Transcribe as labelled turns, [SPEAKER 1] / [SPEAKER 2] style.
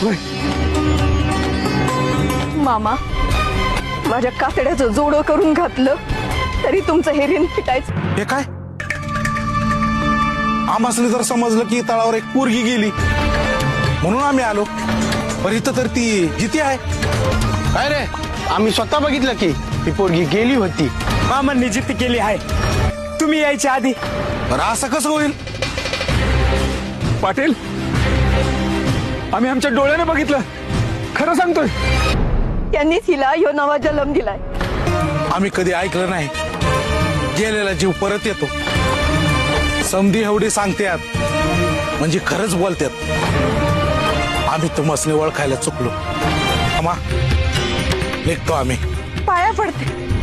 [SPEAKER 1] मामा माझ्या कातड्याचं जोडं करून घातलं तरी तुमचं हे ऋण फिटायचं.
[SPEAKER 2] हे काय आम्हाला जर समजलं की तळावर एक पोरगी गेली म्हणून आम्ही आलो, पण इथं तर ती जिती आहे.
[SPEAKER 3] काय रे, आम्ही स्वतः बघितलं की ती पोरगी गेली होती.
[SPEAKER 4] मामांनी जिद्द केली आहे तुम्ही यायच्या आधी.
[SPEAKER 2] बरं असं कसं होईल?
[SPEAKER 4] पाटील आम्ही आमच्या डोळ्याने बघितलं, खरं सांगतोय.
[SPEAKER 1] त्यांनीच हिला ह्यो नवा जन्म दिलाय.
[SPEAKER 2] आम्ही कधी ऐकलं नाही गेलेला जीव परत येतो. समधी एवढी सांगतात म्हणजे खरंच बोलतात. आम्ही तुमसने ओळखायला चुकलो. अमा निघतो आम्ही.
[SPEAKER 1] पाया पडते